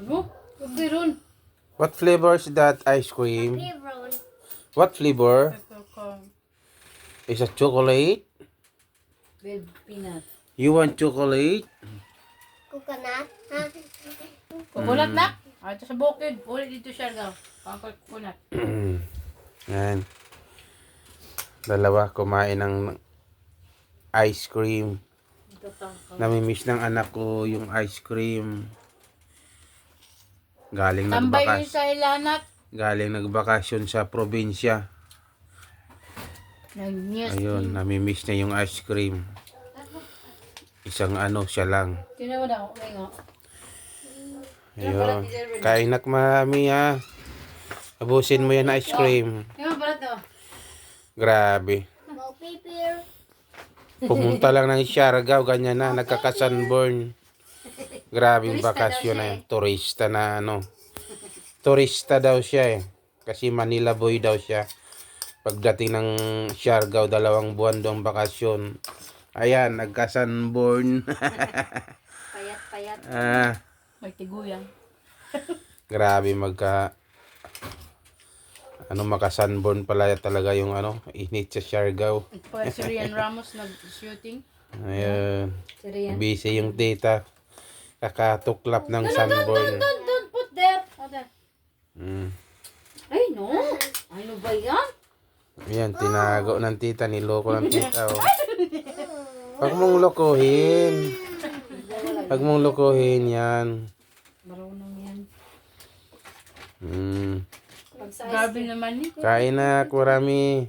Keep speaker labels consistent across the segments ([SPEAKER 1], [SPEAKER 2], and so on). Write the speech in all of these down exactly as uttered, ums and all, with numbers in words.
[SPEAKER 1] Ano? Okay ron.
[SPEAKER 2] What flavor is that ice cream?
[SPEAKER 3] Lebron.
[SPEAKER 2] What flavor?
[SPEAKER 1] Peppercorn.
[SPEAKER 2] Is it chocolate?
[SPEAKER 1] With peanut.
[SPEAKER 2] You want chocolate?
[SPEAKER 3] Coconut. Ha?
[SPEAKER 1] Coconut
[SPEAKER 2] Mm.
[SPEAKER 1] na? Ah, ito sa bukid. Ulit dito siya daw. Pangkal coconut.
[SPEAKER 2] Yan. Dalawa kumain ng ice cream.
[SPEAKER 1] Ito pangkal.
[SPEAKER 2] Namimiss ng anak ko yung ice cream. Galing
[SPEAKER 1] Tambay yun
[SPEAKER 2] nagbakas
[SPEAKER 1] sa ilanat.
[SPEAKER 2] galing nagbakasyon sa probinsya.
[SPEAKER 1] Nag-news.
[SPEAKER 2] Ayun, namimiss niya yung ice cream. Isang ano siya lang.
[SPEAKER 1] Tinawa na ako. Okay nga.
[SPEAKER 2] Ayun. Kain nak mami ha. Abusin mo yan ice cream.
[SPEAKER 1] Yung balat daw.
[SPEAKER 2] Grabe.
[SPEAKER 3] Mau paper.
[SPEAKER 2] Pumunta lang ng Siargao, ganyan na, nagkaka-sunburn. Grabing
[SPEAKER 1] Turista
[SPEAKER 2] bakasyon
[SPEAKER 1] daw
[SPEAKER 2] na
[SPEAKER 1] siya
[SPEAKER 2] yun. Turista na ano. Turista daw siya eh. Kasi Manila boy daw siya. Pagdating ng Siargao, dalawang buwan doong bakasyon. Ayan, nagka-sunburn.
[SPEAKER 1] Payat-payat.
[SPEAKER 2] ah,
[SPEAKER 1] May tiguyang.
[SPEAKER 2] grabe magka... Ano, maka-sunburn pala talaga yung ano, init sa Siargao.
[SPEAKER 1] Pa si Rian Ramos nag-shooting.
[SPEAKER 2] Ayun.
[SPEAKER 1] Si Rian.
[SPEAKER 2] Busy yung tita. Kakatuklap ng sunburn.
[SPEAKER 1] Don't, don't put there. Oh, there.
[SPEAKER 2] Mm.
[SPEAKER 1] Ay, no. Ano ba yan?
[SPEAKER 2] Ayan, tinago ng tita, niloko ng tita. Oh. Huwag mong lokohin. Huwag mong lokohin yan.
[SPEAKER 1] Marunong yan.
[SPEAKER 2] Mm.
[SPEAKER 1] Grabe naman eh.
[SPEAKER 2] Kain na, kurami.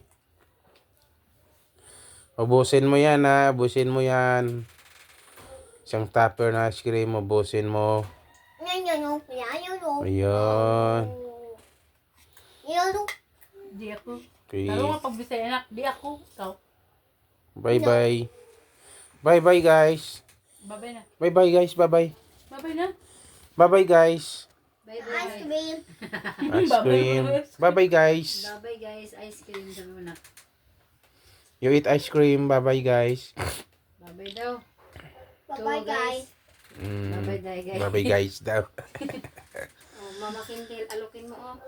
[SPEAKER 2] Ubusin mo yan ha, ubusin mo yan. Isang tupper na ice cream, ubusin mo.
[SPEAKER 3] Yan yan o. Yan yan o.
[SPEAKER 2] Ayun.
[SPEAKER 3] Yan o.
[SPEAKER 1] Di ako.
[SPEAKER 2] Okay.
[SPEAKER 1] Lalo nga pag bisaya anak, di ako. Ikaw.
[SPEAKER 2] Bye-bye. Bye-bye guys.
[SPEAKER 1] Babay na.
[SPEAKER 2] Bye-bye guys, bye-bye.
[SPEAKER 1] Babay na.
[SPEAKER 2] Bye-bye guys.
[SPEAKER 3] Ice cream.
[SPEAKER 2] Ice cream. Bye-bye guys.
[SPEAKER 1] Babay guys, ice cream sa muna.
[SPEAKER 2] You eat ice cream. Bye-bye guys.
[SPEAKER 1] Babay daw.
[SPEAKER 3] Bye-bye guys.
[SPEAKER 2] Mm.
[SPEAKER 1] Babay daw guys.
[SPEAKER 2] Bye-bye guys daw.
[SPEAKER 1] Oh, Mama Kintil, alukin mo oh.